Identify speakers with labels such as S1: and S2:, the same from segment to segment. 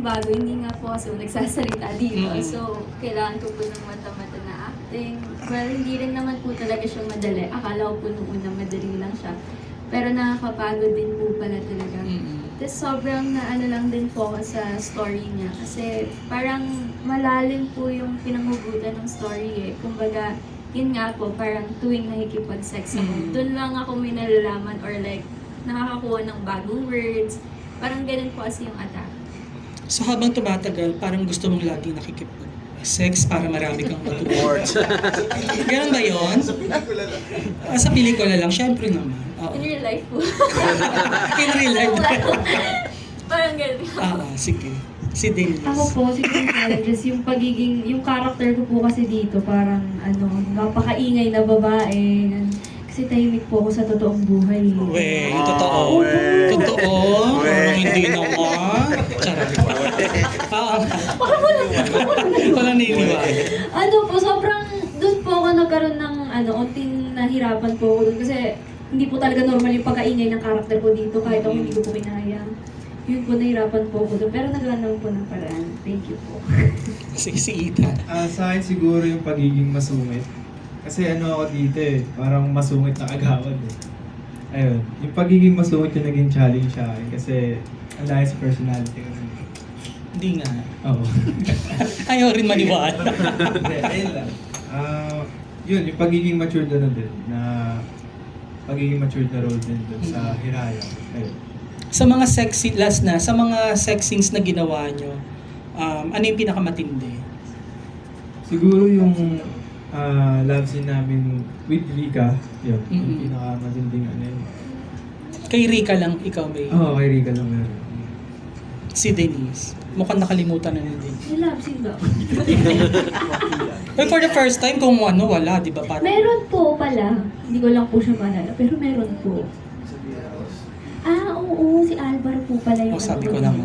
S1: bago, hindi nga po kasi nagsasalita dito.
S2: Mm.
S1: So, kailangan ko po ng mata-mata na acting. Well, hindi rin naman po talaga siya madali. Akala ko po nung una madali lang siya. Pero nakakapagod din po pala talaga. Tapos sobrang naano lang din po ako sa story niya. Kasi parang malalim po yung pinanghugutan ng story eh. Kumbaga, yun nga po, parang tuwing nakikipag-sex ako, doon lang ako may nalalaman or like, nakakakuha ng bagong words. Parang ganun po kasi yung attack.
S2: So habang tumatagal, parang gusto mong lagi nakikipag-sex para marami kang matutunan. Ganun ba yun? Sa pelikula lang, syempre naman. Oo.
S1: In real life po.
S2: In real life.
S1: Parang ganun.
S2: Sige. Si Denise.
S3: Ako po, siguro challenges, yung pagiging, yung character ko po kasi dito, parang napakaingay na babae. Kasi tahimik po ako sa totoong buhay.
S2: We, yung totoo. Totoo? Parang hindi naman. Charot. Walang niniwala.
S3: Po, sobrang, doon po ako nagkaroon ng, unting nahirapan po ako doon. Kasi, hindi po talaga normal yung pagkaingay ng character ko dito, kahit ako hindi ko po kinaya. Yun po, nahirapan po ako doon. Pero nagawa naman po ng paraan. Thank you po.
S2: Si Ethan.
S4: Sa akin siguro yung pagiging masungit. Kasi ako dito parang masungit na agawad Ayun, yung pagiging masungit yung naging challenge sa akin. Kasi ang layo sa personality ko.
S2: Hindi nga.
S4: Oo.
S2: Ayaw rin maniwala.
S4: Hindi, ayun lang. Yun, yung pagiging matured din. Pagiging matured na role din dun sa Hiraya. Ayun.
S2: Sa mga sa mga sex scenes na ginawa nyo, ano yung pinakamatindi?
S4: Siguro yung love scene namin with Rika, yun, yung
S2: Mm-mm.
S4: pinakamatinding yun.
S2: Kay Rika lang, ikaw may...
S4: Oo, kay Rika lang meron.
S2: Si Denise. Mukhang nakalimutan na ni Denise.
S3: May love scene ba?
S2: But for the first time, kung wala, di ba? Parang...
S3: Meron po pala. Hindi ko lang po siya maalala. Pero meron po. Oo. Si Alvaro po pala yung...
S2: sabi ko naman.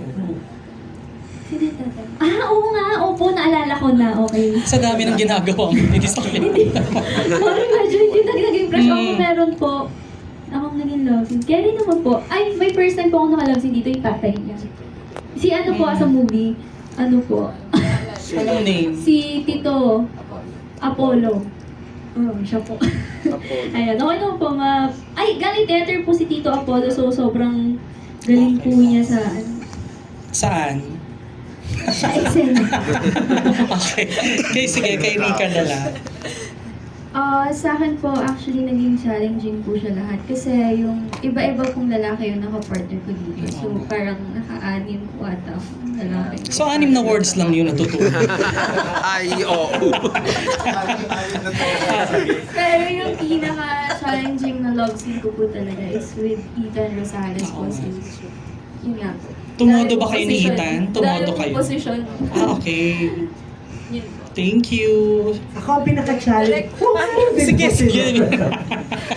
S3: Sino yung tatay? Oo nga. Opo, naalala ko na. Okay.
S2: Sa dami ng ginagawa mo, hindi sa akin.
S3: Sorry, medyo hindi naging crush. Ako meron po. Akong naging love scene. Kaya rin naman po. Ay, may first time po ako naka-love scene dito, yung tatay niya. Si po sa movie. Po.
S2: Anong name?
S3: Si Tito Apollo. Siya po. Ayan, okay naman po Ay, galing theater po si Tito Apollo, so sobrang galing po niya sa
S2: Saan?
S3: sa Excel.
S2: Okay. Okay, sige, kay Rika na lang.
S1: Sa akin po, actually, naging challenging po siya lahat. Kasi yung iba-iba pong lalaki yung nakapartner ko dito. So, parang naka-anim po ata akong lalaki.
S2: So, 6 na words lang yun natutunan.
S5: Ay, oo.
S1: Pero yung pinaka-challenging na love scene ko po talaga is with Ethan Rosales po. Yun nga po.
S2: Tumodo ba kayo ni Ethan? Tumodo
S1: Dahil
S2: kayo?
S1: position.
S2: Okay.
S1: Yun po.
S2: Thank you.
S6: Ako ang pinaka-challenge.
S2: Sige, sige.